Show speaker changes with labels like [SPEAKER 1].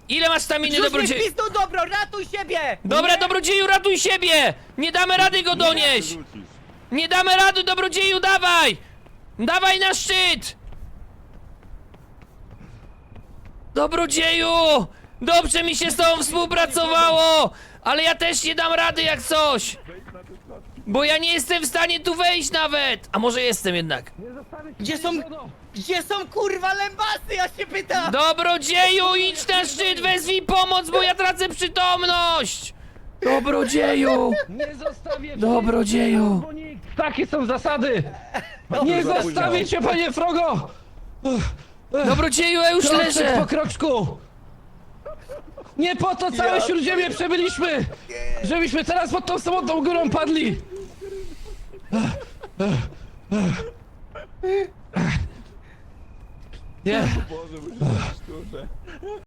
[SPEAKER 1] Ile masz staminy,
[SPEAKER 2] Rzuć mi
[SPEAKER 1] dobrodzieju?
[SPEAKER 2] pizdą, dobro, ratuj siebie!
[SPEAKER 1] Dobra, dobrodzieju, ratuj siebie! Nie damy rady go donieść! Nie damy rady, dobrodzieju, dawaj! Dawaj na szczyt! Dobrodzieju! Dobrze mi się z tobą współpracowało! Ale ja też nie dam rady jak coś! Bo ja nie jestem w stanie tu wejść nawet! A może jestem jednak?
[SPEAKER 2] Gdzie są kurwa lębasy, ja się pytam!
[SPEAKER 1] Dobrodzieju, idź na szczyt, wezwij pomoc, bo ja tracę przytomność! Dobrodzieju!
[SPEAKER 3] Nie zostawię cię!
[SPEAKER 1] Dobrodzieju!
[SPEAKER 3] Bo nikt. Takie są zasady! Nie zostawię cię, panie Frogo!
[SPEAKER 1] Dobrodzieju, ja już
[SPEAKER 3] Kroczek
[SPEAKER 1] leżę!
[SPEAKER 3] po kroczku! Nie po to całe Śródziemie przebyliśmy! Żebyśmy teraz pod tą samotną górą padli! Nie!